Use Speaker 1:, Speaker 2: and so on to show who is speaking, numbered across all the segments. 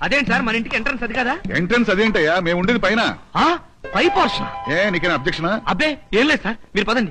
Speaker 1: అదేంటి సార్ మన ఇంటికి ఎంట్రన్స్ అది కదా?
Speaker 2: ఎంట్రన్స్ అదేంటయ్యా, మేము ఉండేది పైన.
Speaker 1: పై పోర్షన్.
Speaker 2: నీకేనా అబ్జెక్షనా?
Speaker 1: అబ్బే ఏం లేదు సార్, మీరు పదండి.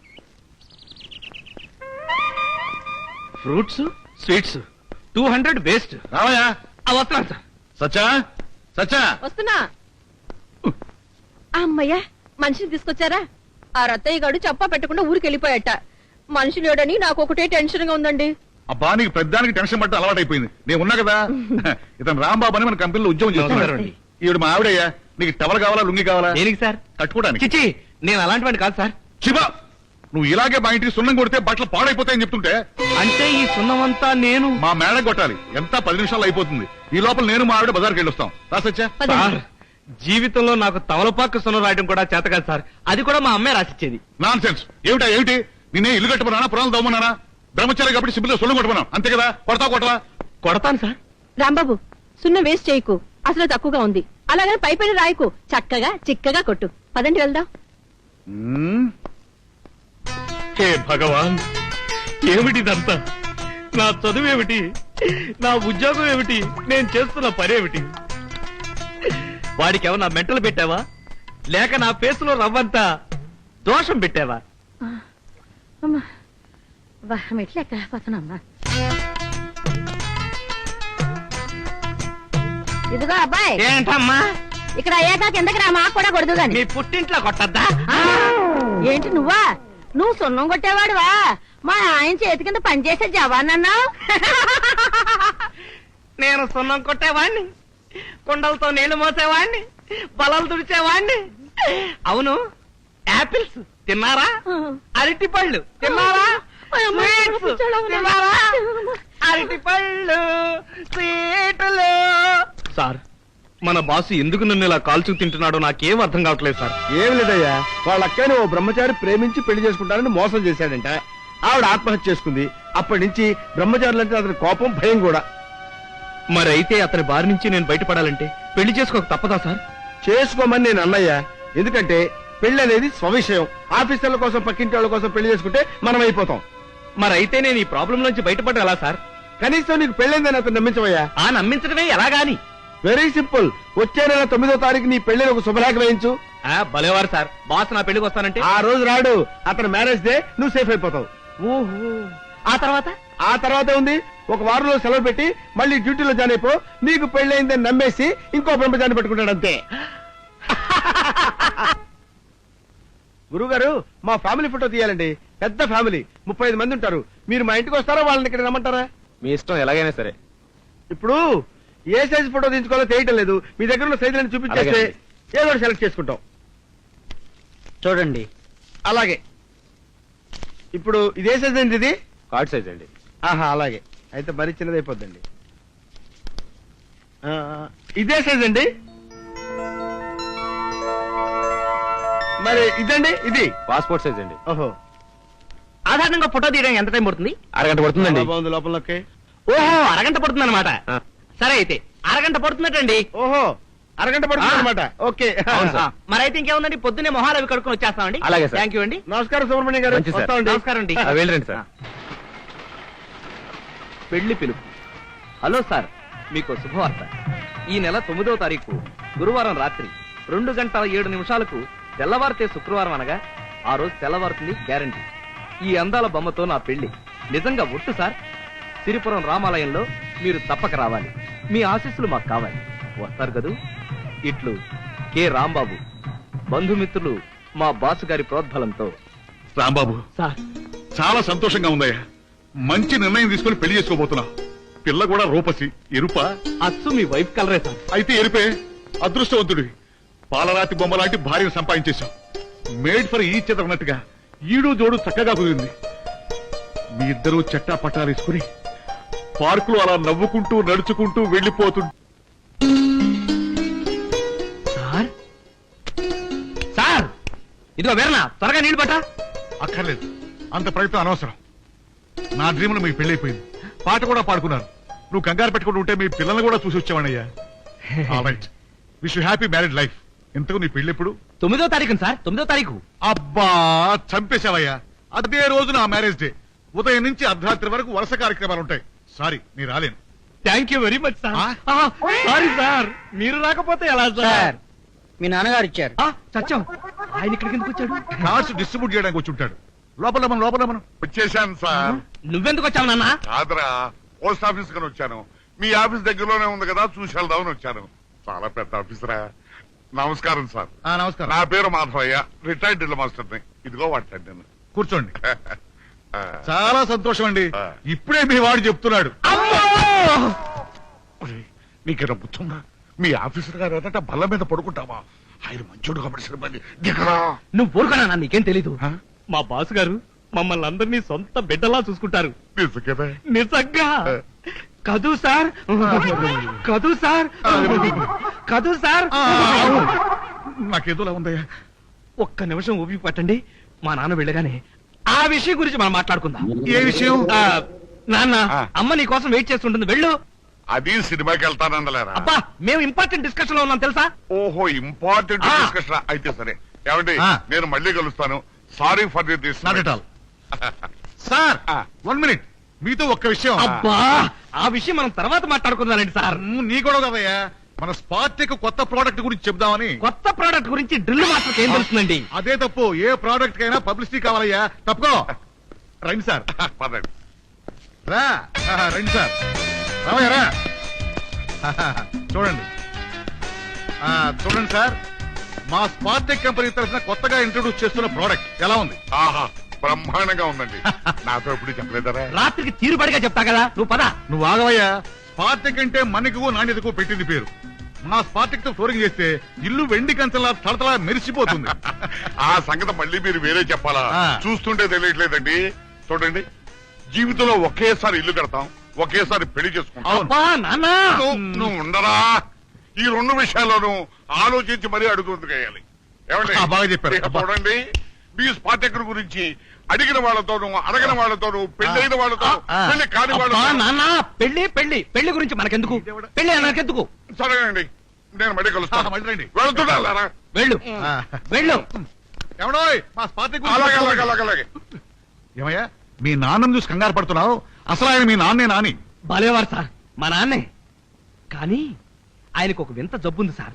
Speaker 1: ఫ్రూట్స్ స్వీట్స్ 200 బేస్ట్.
Speaker 2: రావయ్యా.
Speaker 1: వస్తున్నాను సార్.
Speaker 2: సచ్చా సచ్చా
Speaker 3: వస్తున్నా. అమ్మయ్యా, మనిషిని తీసుకొచ్చారా? ఆ రత్తయ్య గారు చెప్పా పెట్టకుండా ఊరికి వెళ్ళిపోయాట. మనిషి లేడని నాకు ఒకటే టెన్షన్ గా ఉందండి.
Speaker 2: అబ్బా, నీకు పెద్దానికి టెన్షన్ పట్టు అలవాటు అయిపోయింది. నేను ఉన్నా కదా. ఇతను రాంబాబు అని మన కంపెనీలో ఉద్యోగం చేస్తున్నాడు. ఈవిడ మా ఆవిడయ్యా. నీకు టవల్ కావాలా, లుంగి కావాలా?
Speaker 1: దేనికి సార్?
Speaker 2: కట్టుకోవడానికి.
Speaker 1: చిచి, నేను అలాంటి వాడిని కాదు సార్.
Speaker 2: శివ, నువ్వు ఇలాగే మా ఇంటికి సున్నం కొడితే బట్టలు పాడైపోతాయని చెప్తుంటే.
Speaker 1: అంటే ఈ సున్నమంతా నేను
Speaker 2: మా మేడ కొట్టాలి. ఎంత 10 నిమిషాలు అయిపోతుంది. ఈ లోపల నేను మా ఆవిడ బజార్కి వెళ్ళొస్తాం. రాసొచ్చా?
Speaker 1: సార్, జీవితంలో నాకు తమలపాకు సున్నం రాయడం కూడా చేత కాదు సార్. అది కూడా మా అమ్మే రాసిచ్చేది.
Speaker 2: Non sense. ఏమిటి నేనే ఇల్లు కట్టుకున్నానా, పురాణాలు దవ్వమన్నానా? బ్రహ్మచారి కాబట్టి సిబ్బిలో సున్నం కొట్టుకున్నాం, అంతే కదా. కొడతావా?
Speaker 1: కొడతాను సార్.
Speaker 3: రాంబాబు, సున్నం వేస్ట్ చేయకు, అసలు తక్కువగా ఉంది. అలాగని పైపైన రాయకు, చక్కగా చిక్కగా కొట్టు. పదండి వెళ్దాం.
Speaker 1: హే భగవాన్, ఏమిటిదంతా? నా చదువేమిటి, నా ఉద్యోగం ఏమిటి, నేను చేస్తున్న పనేమిటి? వాడికి ఏమన్నా మెంటలు పెట్టావా, లేక నా ఫేసులో రవ్వంతా దోషం పెట్టావా?
Speaker 3: ఇదిగో అబ్బాయి.
Speaker 1: ఏంటమ్మా?
Speaker 3: ఇక్కడ అయ్యాక కిందకి రా, మాకు కూడా కొడదు గాని.
Speaker 1: మీ పుట్టింట్లో కొట్టద్దా?
Speaker 3: ఏంటి నువ్వా? నువ్వు సున్నం కొట్టేవాడువా? మా ఆయన చేతి కింద పనిచేసే జవాన్ అన్నావు.
Speaker 1: నేను సున్నం కొట్టేవాణ్ణి, కుండలతో నీళ్లు మోసేవాణ్ణి, బలలు తుడిచేవాణ్ణి. అవును, యాపిల్స్ తిన్నారా? అరటి పళ్ళు తిన్నారా? తిన్నారా? అరటి పళ్ళు, స్వీట్లు. సార్, మన బాసు ఎందుకు నన్ను ఇలా కాల్చు తింటున్నాడో నాకేం అర్థం కావట్లేదు సార్.
Speaker 4: ఏం లేదయ్యా, వాళ్ళ అక్కని ఓ బ్రహ్మచారి ప్రేమించి పెళ్లి చేసుకుంటారని మోసం చేశాడంట. ఆవిడ ఆత్మహత్య చేసుకుంది. అప్పటి నుంచి బ్రహ్మచారులంటే అతని కోపం, భయం కూడా.
Speaker 1: మరి అయితే అతని బారి నుంచి నేను బయటపడాలంటే పెళ్లి చేసుకోక తప్పదా సార్?
Speaker 4: చేసుకోమని నేను అన్నయ్యా. ఎందుకంటే పెళ్లి అనేది స్వవిషయం. ఆఫీసర్ల కోసం, పక్కింటి వాళ్ళ కోసం పెళ్లి చేసుకుంటే మనం అయిపోతాం.
Speaker 1: మరి అయితే నేను ఈ ప్రాబ్లం నుంచి బయటపడ్డా ఎలా సార్?
Speaker 4: కనీసం నీకు పెళ్ళైందని అతను నమ్మించవయ్యా.
Speaker 1: నమ్మించడమే ఎలాగాని?
Speaker 4: Very simple. వచ్చే నెల 9వ తారీఖు నీ పెళ్లిని ఒక శుభలేఖ వేయించు.
Speaker 1: భలేవారు సార్, బాస్ నా పెళ్లికి వస్తానంటే
Speaker 4: ఆ రోజు రాడు, అతను మ్యారేజ్ డే, నువ్వు సేఫ్ అయిపోతావు.
Speaker 1: ఓహో, ఆ
Speaker 4: తర్వాత ఉంది, ఒక వారంలో సెలవు పెట్టి మళ్ళీ డ్యూటీలో జాయిన్ అయిపో. నీకు పెళ్ళైందని నమ్మేసి ఇంకో బ్రహ్మచారిని పెట్టుకుంటాడు అంతే. గురుగారు, మా ఫ్యామిలీ ఫోటో తీయాలండి. పెద్ద ఫ్యామిలీ, 35 మంది ఉంటారు. మీరు మా ఇంటికి వస్తారా, వాళ్ళని ఇక్కడ రమ్మంటారా?
Speaker 1: మీ ఇష్టం, ఎలాగైనా సరే.
Speaker 4: ఇప్పుడు ఏ సైజ్ ఫోటో తీసుకోవాలో తెలియటం లేదు. మీ దగ్గర ఉన్న సైజులను చూపించేస్తే ఏదో సెలెక్ట్ చేసుకుంటాం.
Speaker 1: చూడండి.
Speaker 4: అలాగే. ఇప్పుడు ఇదే సైజ్ అండి? ఇది
Speaker 1: కార్డ్ సైజ్ అండి.
Speaker 4: అలాగే. అయితే మరీ చిన్నది అయిపోద్దండి. ఇదే సైజ్ అండి. మరి ఇదండి? ఇది
Speaker 1: పాస్పోర్ట్ సైజ్ అండి.
Speaker 4: ఓహో.
Speaker 1: సాధారణంగా ఫోటో తీయడానికి ఎంత టైం పడుతుంది? అరగంట పడుతుందండి.
Speaker 4: బాగుంది లోపలకి.
Speaker 1: ఓహో, అరగంట పడుతుంది అనమాట. సరే అయితే అరగంట పడుతున్నట్టండి.
Speaker 4: ఓహో, అరగంట పడుతుంది అనమాట. ఓకే.
Speaker 1: మరి అయితే ఇంకేముందండి, పొద్దున్నే మొహాలు అవి కడుక్కొని వచ్చేస్తామండి.
Speaker 4: అలాగే.
Speaker 1: థ్యాంక్ యూ అండి.
Speaker 4: నమస్కారం సుబ్రహ్మణ్యం గారు.
Speaker 1: నమస్కారం అండి. వెళ్ళండి సార్. పెళ్లి పిలుపు. హలో సార్, మీకు శుభవార్త. ఈ నెల 9వ తారీఖు గురువారం రాత్రి 2:07 తెల్లవారితే శుక్రవారం అనగా ఆ రోజు తెల్లవారుతుంది గ్యారంటీ. ఈ అందాల బొమ్మతో నా పెళ్లి నిజంగా ఒట్టు సార్. సిరిపురం రామాలయంలో మీరు తప్పక రావాలి. మీ ఆశీస్సులు మాకు కావాలి. వస్తారు కదూ? ఇట్లు కె రాంబాబు. బంధుమిత్రులు మా బాసు గారి ప్రోద్బలంతో.
Speaker 2: రాంబాబు,
Speaker 1: సార్,
Speaker 2: చాలా సంతోషంగా ఉందయ్యా. మంచి నిర్ణయం తీసుకుని పెళ్లి చేసుకోబోతున్నావు. పిల్ల కూడా రూపసి. ఎరుపా?
Speaker 1: అచ్చు మీ వైఫ్ కలరే సార్.
Speaker 2: అయితే ఎరుపే. అదృష్టవంతుడి. పాలరాతి బొమ్మ లాంటి భార్యను సంపాదించేశావు. మేడ్ ఫర్ ఈచ్ అదర్ అన్నట్టుగా ఈడు జోడు చక్కగా కుదిరింది. మీ ఇద్దరూ చెట్టా పట్టాలేసుకుని పార్కులో అలా నవ్వుకుంటూ నడుచుకుంటూ వెళ్లిపోతుంటే.
Speaker 1: సార్, సార్, ఇదిగో వేరనా, త్వరగా నీళ్లు పట్టా.
Speaker 2: అక్కర్లేదు, అంత ప్రయత్నం అనవసరం. నా డ్రీమ్ లో మీ పెళ్లైపోయింది. పాట కూడా పాడుకున్నారు. నువ్వు కంగారు పెట్టుకుంటూ ఉంటే మీ పిల్లల్ని కూడా చూసి వచ్చావనయ్యా. Alright, wish you happy married life. ఇంతకు నీ పెళ్లి ఎప్పుడు?
Speaker 1: 9వ తారీఖు సార్. 9వ తారీఖు.
Speaker 2: అబ్బా, చంపేశావయ్యా. అదే రోజు నా మ్యారేజ్ డే. ఉదయం నుంచి అర్ధరాత్రి వరకు వరుస కార్యక్రమాలు ఉంటాయి. సారీ, నీ రాలేను.
Speaker 1: Thank you very much sir.
Speaker 2: ఆ?
Speaker 1: సారీ సార్, మీరు రాకపోతే ఎలా సార్?
Speaker 5: మీ నాన్నగారు ఇచ్చారు.
Speaker 1: సత్యం, ఆయన ఇక్కడికి ఎందుకు వచ్చాడు?
Speaker 2: కార్డ్స్ డిస్ట్రిబ్యూట్ చేయడానికి వచ్చి ఉంటాడు. లోపల మనం
Speaker 6: వచ్చేసాను సార్.
Speaker 1: నువ్వెందుకు వచ్చావు నాన్న?
Speaker 6: కాదురా, పోస్ట్ ఆఫీస్ కని వచ్చాను. మీ ఆఫీస్ దగ్గరలోనే ఉంది కదా, చూసి వెళ్దామని వచ్చాను. చాలా పెద్ద ఆఫీసరా. నమస్కారం సార్.
Speaker 2: నమస్కారం.
Speaker 6: నా పేరు మాధవయ్య, రిటైర్డ్ డ్రిల్ మాస్టర్ని. ఇదిగో వాడతాను నేను.
Speaker 2: కూర్చోండి. చాలా సంతోషం అండి. ఇప్పుడే మీ వాడు చెప్తున్నాడు.
Speaker 6: నీకేనా బుద్ధుందా? మీ ఆఫీసర్ గారు ఎదట బల్ల మీద పడుకుంటావా? ఆయన మంచోడు కాబట్టి సరిపోయింది. దిగరా.
Speaker 1: నువ్వు ఊరుకున్నా, నీకేం తెలీదు.
Speaker 6: ఆ?
Speaker 1: మా బాస్ గారు మమ్మల్ని అందరినీ సొంత బిడ్డలా చూసుకుంటారు.
Speaker 6: నిజంగానే?
Speaker 1: నిజంగా కదూ సార్, కదూ సార్, కదూ సార్.
Speaker 2: నాకేదోలా ఉందయ్యా.
Speaker 1: ఒక్క నిమిషం ఊపి పట్టండి. మా నాన్న వెళ్ళగానే ఆ విషయం గురించి మనం మాట్లాడుకుందాం.
Speaker 2: ఏ విషయం?
Speaker 1: నాన్న,
Speaker 6: ఆ.
Speaker 1: అమ్మ నీ కోసం వెయిట్ చేస్తుంటుంది, వెళ్ళు.
Speaker 6: అది సినిమాకి వెళ్తానందలేరా?
Speaker 1: అబ్బా, మేము ఇంపార్టెంట్ డిస్కషన్ లో ఉన్నాం తెలుసా?
Speaker 6: ఓహో, ఇంపార్టెంట్
Speaker 1: ఆ.
Speaker 6: డిస్కషన్ అయితే సరే. ఏమండి,
Speaker 2: ఆ.
Speaker 6: నేను మళ్ళీ కలుస్తాను. Sorry for this.
Speaker 2: Not at all. Sir,
Speaker 6: ఆ.
Speaker 2: 1 మినిట్. మీతో ఒక్క విషయం.
Speaker 1: అబ్బా, ఆ విషయం మనం తర్వాత మాట్లాడుకుందామండి సార్.
Speaker 2: నీ కూడా కదయ్యా, మన స్పార్టెక్ కొత్త ప్రోడక్ట్ గురించి చెప్దామని.
Speaker 1: కొత్త ప్రోడక్ట్ గురించి డ్రిల్ మాస్టర్కి ఏం తెలుస్తుందండి?
Speaker 2: అదే తప్పు. ఏ ప్రోడక్ట్ కైనా పబ్లిసిటీ కావాలయ్యా. తప్పుకో. రండి సార్.
Speaker 6: పదండి.
Speaker 2: రా. రండి సార్. రావయ్య రా. చూడండి. చూడండి సార్, మా స్పార్టెక్ కంపెనీ తరఫున కొత్తగా ఇంట్రొడ్యూస్ చేస్తున్న ప్రోడక్ట్ ఎలా ఉంది?
Speaker 6: ఆహా, బ్రహ్మాండంగా ఉందండి. నాతో ఎప్పుడు చెప్పలేదరా?
Speaker 1: రాత్రికి తీరుబడిగా చెప్తా కదా, నువ్వు పద.
Speaker 2: నువ్వు ఆగవయ్యా. స్పార్టెక్ అంటే మనకు నాణ్యతకు పెట్టింది పేరు. మా స్పార్టెక్ తో ఫ్లోరింగ్ చేస్తే ఇల్లు వెండి కంచంలా తడతలా మెరిసిపోతుంది.
Speaker 6: ఆ సంగతి మళ్ళీ మీరు వేరే చెప్పాలా?
Speaker 2: ఆ.
Speaker 6: చూస్తుంటే తెలియట్లేదండి. చూడండి, జీవితంలో ఒకేసారి ఇల్లు కడతాం, ఒకేసారి పెళ్లి చేసుకుంటాం.
Speaker 2: అవును.
Speaker 1: అబ్బా నాన్న,
Speaker 6: నువ్వు ఉండరా? ఈ 2 విషయాల్లోనూ ఆలోచించి మరీ అడుగుతుంది వేయాలి. ఏమండి?
Speaker 2: ఆ, బాగా చెప్పారు.
Speaker 6: ఇక
Speaker 2: అబ్బా.
Speaker 6: చూడండి, మీ స్పార్టెక్ గురించి అడిగిన వాళ్ళతోనూ అడగిన వాళ్ళతోనూ పెళ్ళైన వాళ్ళతో
Speaker 2: ఆ.
Speaker 6: పెళ్లి కాని
Speaker 1: అబ్బా
Speaker 6: వాళ్ళతో.
Speaker 1: నాన్న, పెళ్లి పెళ్లి పెళ్లి గురించి మనకెందుకు? పెళ్లి మనకెందుకు?
Speaker 6: సరేనండి, నేను మళ్ళీ కలుస్తాను.
Speaker 2: మళ్ళీ రండి.
Speaker 6: వెళ్తున్నారా?
Speaker 1: వెళ్ళు,
Speaker 2: ఆ.
Speaker 1: వెళ్ళు.
Speaker 2: ఎవడోయ్ మా స్పార్టెక్
Speaker 6: అలాగే అలాగే అలాగే అలాగే.
Speaker 2: ఏమయ్యా, మీ నాన్నను చూసి కంగారు పడుతున్నావు? అసలు ఆయన మీ నాన్నే నాని.
Speaker 1: భలేవారు సార్, మా నాన్నే. కానీ ఆయనకు ఒక వింత జబ్బుంది సార్.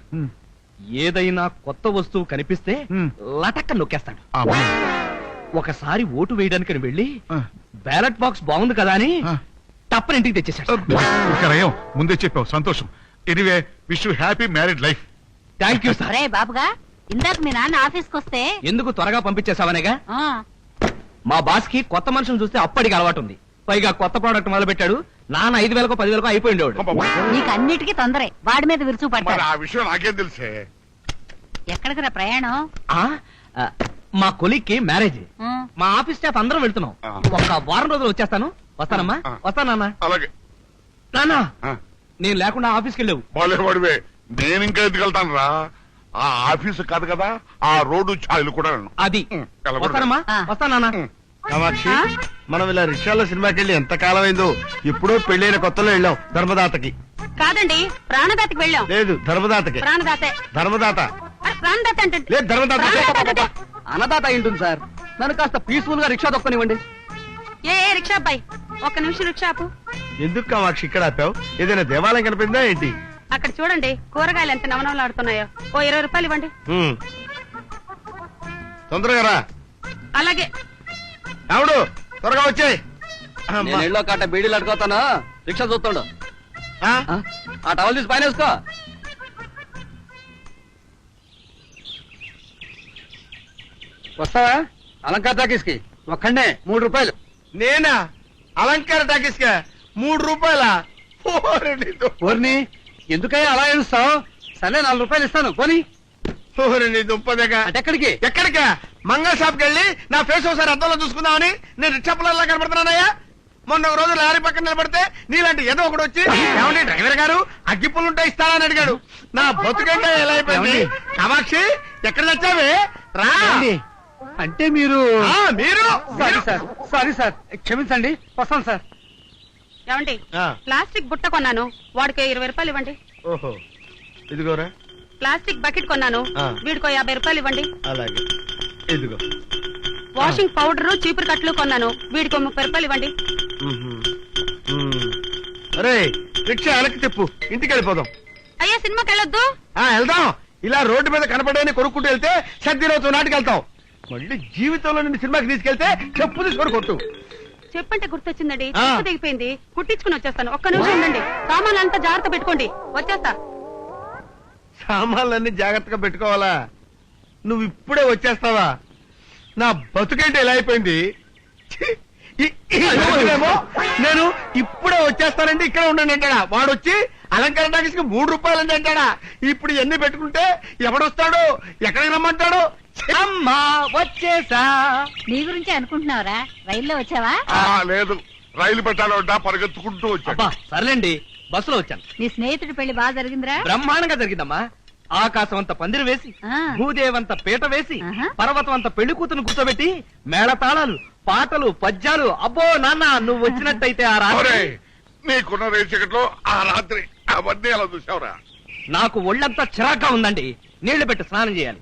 Speaker 1: ఏదైనా కొత్త వస్తువు కనిపిస్తే
Speaker 2: హ్మ్.
Speaker 1: లటక్క నొక్కేస్తాడు.
Speaker 2: ఆ, బాగుంది.
Speaker 1: ఒకసారి ఓటు వేయడానికి వెళ్ళి
Speaker 2: ఆ.
Speaker 1: బ్యాలెట్ బాక్స్ బాగుంది కదా అని
Speaker 2: ఆ.
Speaker 1: తప్పని ఇంటికి తెచ్చేసాడు.
Speaker 2: ఇక్కడయ్యో, ముందే చెప్పావు, సంతోషం. Anyway, wish you happy married life.
Speaker 1: Thank you sir.
Speaker 7: అరే బాబుగా, ఇందాక మీ నాన్న ఆఫీస్కి వస్తే
Speaker 1: ఎందుకు త్వరగా పంపించేసావనేగా?
Speaker 7: ఆ,
Speaker 1: మా బాస్ కి కొత్త మనుషులు చూస్తే అప్పటికి అలవాటు ఉంది. పైగా కొత్త ప్రోడక్ట్ మొదలు పెట్టాడు. నాన్న 5,000కో 10,000కో అయిపోయిండేవాడు.
Speaker 6: అబ్బబ్బా.
Speaker 7: నీకు అన్నిటికీ తొందరే, వాడి మీద విరుచు
Speaker 6: మరి
Speaker 7: పడతారు.
Speaker 6: ఆ విషయం నాకేం తెలుసే?
Speaker 7: ఎక్కడికి రా ప్రయాణం?
Speaker 1: ఆ, ఆ, మా కొలీగ్ కి మ్యారేజ్.
Speaker 7: ఆ,
Speaker 1: మా ఆఫీస్ స్టాఫ్ అందరం వెళ్తున్నాం.
Speaker 6: ఆ.
Speaker 1: ఒక వారం రోజులు వచ్చేస్తాను. వస్తానమ్మా,
Speaker 6: ఆ.
Speaker 1: వస్తానన్నా.
Speaker 6: అలాగే.
Speaker 1: నాన్న,
Speaker 6: ఆ,
Speaker 1: నేను లేకుండా ఆఫీస్కి వెళ్ళావు.
Speaker 6: బాలేవాడివే. నేను ఇంకా ఎందుకు వెళ్తాను రా? ఆ ఆఫీసు కాదు కదా, ఆ రోడ్డు ఛాయలు కూడా వెళ్ళను.
Speaker 1: అది
Speaker 6: వెళ్ళకూడదు.
Speaker 1: వస్తానమ్మా,
Speaker 7: ఆ.
Speaker 1: వస్తానన్నా.
Speaker 4: కామాక్షి,
Speaker 7: ఆ?
Speaker 4: మనం ఇలా రిక్షాలో సినిమాకి వెళ్ళి ఎంత కాలం అయిందో. ఎప్పుడో పెళ్ళైన కొత్తలో వెళ్ళాం ధర్మదాతకి.
Speaker 7: కాదండి, ప్రాణదాతకి వెళ్ళాం.
Speaker 4: లేదు, ధర్మదాతకి.
Speaker 7: ప్రాణదాతే.
Speaker 4: ధర్మదాత
Speaker 7: ప్రాణదాత అంటే
Speaker 4: లేదు, ధర్మదాత.
Speaker 7: ప్రాణదాత.
Speaker 1: అన్నదాత అయింటుంది సార్. నన్ను కాస్త పీస్ఫుల్ గా రిక్షా దొక్కనివ్వండి.
Speaker 7: ఏ రిక్షా అబ్బాయి, ఒక్క నిమిషం రిక్షా ఆపు.
Speaker 4: ఎందుకు కామాక్షి ఇక్కడ ఆపావు? ఏదైనా దేవాలయం కనిపిందా ఏంటి?
Speaker 7: అక్కడ చూడండి, కూరగాయలు ఎంత నవనవలాడుతున్నాయో. ఓ 20 రూపాయలు ఇవ్వండి.
Speaker 4: తొందరగా రా.
Speaker 7: అలాగే.
Speaker 4: రావుడు, త్వరగా వచ్చాయి.
Speaker 1: నేను ఇళ్ళో కట్ట బీడీలు అడుగుతాను. రిక్షా చూస్తాడు. ఆ టవల్ తీసి పైన వేసుకో. వస్తావా అలంకార టాకీస్ కి? ఒక్కడే 3 రూపాయలు.
Speaker 4: నేనా? అలంకార టాకీస్ కా 3 రూపాయల?
Speaker 1: ఓర్ని, ఎందుకయ్యా అలా ఏడుస్తావు? సరే 4 రూపాయలు ఇస్తాను పోనీ.
Speaker 4: దుంపదగా.
Speaker 1: అటెక్కడికి?
Speaker 4: ఎక్కడికా? మంగళ షాప్ కి వెళ్ళి నా ఫేస్ ఒకసారి అద్దంలో చూసుకుందామని నేను రిక్షా పిల్లల్లా కనపడుతున్నానయ్యా. మొన్న ఒక రోజు లారీ పక్కన నిలబడితే నీలాంటి ఏదో ఒకటి వచ్చి, ఏమండి డ్రైవర్ గారు అగ్గిపుల్లుంటే ఇస్తానని అడిగాడు. నా బతుకంటే ఎలా అయిపోయింది. కామాక్షి, ఎక్కడ తెచ్చావే? రా.
Speaker 1: అంటే మీరు?
Speaker 4: మీరు
Speaker 1: సారీ సార్, క్షమించండి, వస్తాను సార్.
Speaker 7: ఏమండి,
Speaker 4: ఆ.
Speaker 7: ప్లాస్టిక్ బుట్ట కొన్నాను, వాడికి 20 రూపాయలు ఇవ్వండి.
Speaker 4: ఓహో, ఇదిగోరా.
Speaker 7: ప్లాస్టిక్ బకెట్ కొన్నాను,
Speaker 4: ఆ.
Speaker 7: వీడికో 50 రూపాయలు ఇవ్వండి.
Speaker 4: అలాగే, ఇదిగో.
Speaker 7: వాషింగ్ పౌడర్, చీపురు కట్లు కొన్నాను, వీడికో 30 రూపాయలు ఇవ్వండి.
Speaker 4: అరే, రిక్షా వెనక్కి తిప్పు ఇంటికి వెళ్ళిపోదాం.
Speaker 7: అయ్యా సినిమాకి వెళ్ళొద్దు.
Speaker 4: వెళ్దాం. ఇలా రోడ్డు మీద కనపడని కొనుక్కుంటూ వెళ్తే సర్దిరోజు నాటికి వెళ్తాం. మళ్ళీ జీవితంలో నిన్ను సినిమాకి తీసుకెళ్తే చెప్పు తీసుకొని కొట్టు.
Speaker 7: చెప్పంటే గుర్తొచ్చిందండి,
Speaker 4: ఆ.
Speaker 7: చెప్పు దిగిపోయింది, కుట్టించుకుని వచ్చేస్తాను. ఒక్క నిమిషం ఉండండి, సామాన్లు అంతా జాగ్రత్త పెట్టుకోండి, వచ్చేస్తా.
Speaker 4: సామాన్లన్నీ జాగ్రత్తగా పెట్టుకోవాలా? నువ్వు ఇప్పుడే వచ్చేస్తావా? నా బతుకేంటి ఇలా అయిపోయింది. ఛీ! ఈ రోజునేమో నేను ఇప్పుడే వచ్చేస్తానండి ఇక్కడ ఉండండి అంటాడా, వాడొచ్చి అలంకరణ టాకీస్కి 3 రూపాయలండి అంటాడా. ఇప్పుడు ఇవన్నీ పెట్టుకుంటే ఎవడొస్తాడు, ఎక్కడికి రమ్మంటాడు?
Speaker 1: అమ్మా వచ్చేసా.
Speaker 5: నీ గురించి అనుకుంటున్నావురా? రైల్లో వచ్చావా?
Speaker 6: లేదు, రైలు పెట్టాలంటా పరిగెత్తుకుంటూ వచ్చా.
Speaker 1: అబ్బా సర్లేండి, బస్సులో వచ్చాను.
Speaker 5: నీ స్నేహితుడి పెళ్లి బాగా జరిగిందిరా?
Speaker 1: బ్రహ్మాండంగా జరిగిందమ్మా. ఆకాశం అంత పందిరి వేసి,
Speaker 5: ఆ.
Speaker 1: భూదేవంత పీట వేసి,
Speaker 5: ఆహా.
Speaker 1: పర్వతం అంత పెళ్లి కూతురు కూర్చోబెట్టి, మేళతాళాలు, పాటలు, పద్యాలు. అబ్బో నాన్న, నువ్వు వచ్చినట్టయితే ఆ రాత్రి
Speaker 6: ఒరేయ్, నీకున్న రేచకట్లో ఆ రాత్రి అవన్నీ ఎలా చూసావురా?
Speaker 1: నాకు ఒళ్ళంతా చిరాగ్గా ఉందండి. నీళ్లు పెట్టి స్నానం చేయాలి.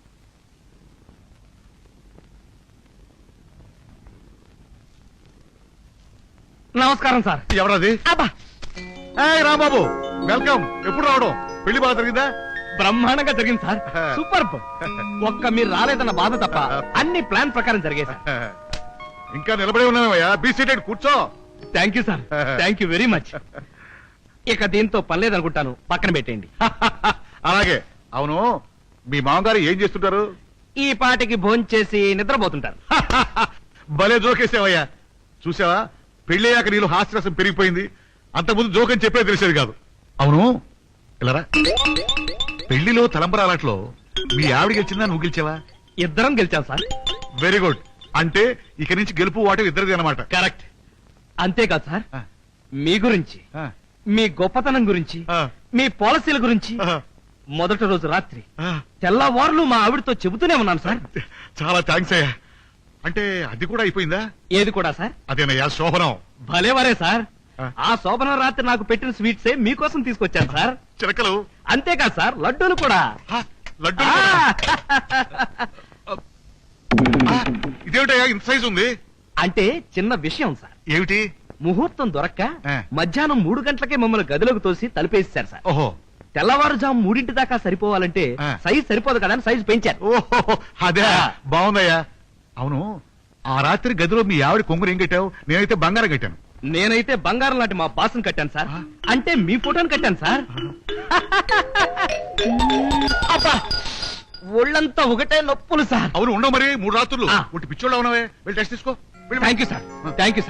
Speaker 1: నమస్కారం సార్.
Speaker 2: ఎవరది?
Speaker 1: అబ్బా
Speaker 2: రాంబాబు, వెల్కమ్. ఎప్పుడు రావడం? పెళ్లి బాగా జరిగిందా?
Speaker 1: బ్రహ్మాండంగా జరిగింది సార్. సూపర్. ఒక్క మీరు రాలేదన్న బాధ తప్ప అన్ని ప్లాన్ ప్రకారం జరిగాయి సార్.
Speaker 2: ఇంకా నిలబడి ఉన్నావయ్యా, బీ సీటెడ్, కూర్చో.
Speaker 1: Thank you sir, thank you very much. ఇక దీంతో పని లేదనుకుంటాను, పక్కన పెట్టేయండి.
Speaker 2: అలాగే. అవును, మీ మామగారు ఏం చేస్తుంటారు?
Speaker 1: ఈ పాటికి భోంచేసి నిద్రపోతుంటారు.
Speaker 2: భలే జోకేసావయ్యా. చూసావా, పెళ్ళయ్యాక నీళ్ళు హాస్యరసం పెరిగిపోయింది. అంతకుముందు జోకని చెప్పే తెలిసేది కాదు. అవును, ఇలారా. పెళ్లిలో తలంబరాలట్లో మీ ఆవిడ గెలిచిందా, నువ్వు గెలిచావా?
Speaker 1: ఇద్దరం గెలిచాం సార్.
Speaker 2: Very good. అంటే ఇక నుంచి గెలుపు వాటి ఇద్దరిది అనమాట.
Speaker 1: కరెక్ట్. అంతేకాదు సార్, మీ గురించి, మీ గొప్పతనం గురించి, మీ పాలసీల గురించి మొదటి రోజు రాత్రి తెల్లవారులు మా ఆవిడతో చెబుతూనే ఉన్నాను సార్.
Speaker 2: చాలా థ్యాంక్స్ అయ్యా. అంటే అది కూడా అయిపోయిందా?
Speaker 1: ఏది కూడా సార్?
Speaker 2: అదేనయ్యా శోభనం.
Speaker 1: భలేవరే సార్. ఆ శోభనం రాత్రి నాకు పెట్టిన స్వీట్సే మీకోసం తీసుకొచ్చాను సార్.
Speaker 2: చిలకలు.
Speaker 1: అంతేకాదు సార్, లడ్డూలు కూడా.
Speaker 2: లడ్డు.
Speaker 1: ఆ!
Speaker 2: ఇదేమిటయ్యా ఇంత సైజు ఉంది?
Speaker 1: అంటే చిన్న విషయం సార్.
Speaker 2: ఏమిటి?
Speaker 1: ముహూర్తం దొరక్క
Speaker 2: ఆ.
Speaker 1: మధ్యాహ్నం 3 గంటలకే మమ్మల్ని గదిలోకి తోసి తలుపేశారు సార్.
Speaker 2: ఓహో.
Speaker 1: తెల్లవారుజాము 3 దాకా సరిపోవాలంటే
Speaker 2: ఆ.
Speaker 1: సైజ్ సరిపోదు కదా అని సైజ్ పెంచారు.
Speaker 2: ఓహో, అదే.
Speaker 1: ఆ.
Speaker 2: బాగుందయ్యా. అవును, ఆ రాత్రి గదిలో మీ ఆవిడ కొంగురు ఏం కట్టావు? నేనైతే బంగారం కట్టాను.
Speaker 1: నేనైతే బంగారం లాంటి మా బాస్ని కట్టాను సార్.
Speaker 2: ఆ.
Speaker 1: అంటే మీ ఫోటోని కట్టాను సార్. అబ్బా, ఒళ్ళంతా ఒకటే నొప్పులు సార్.
Speaker 2: అవును, ఉండవు మరి 3 రాత్రులు.
Speaker 1: ఆ.
Speaker 2: ఒట్టి పిచ్చోళ్ళ ఉన్నావే. వెళ్ళి టెస్ట్ తీసుకో.
Speaker 1: Thank you sir, thank you sir.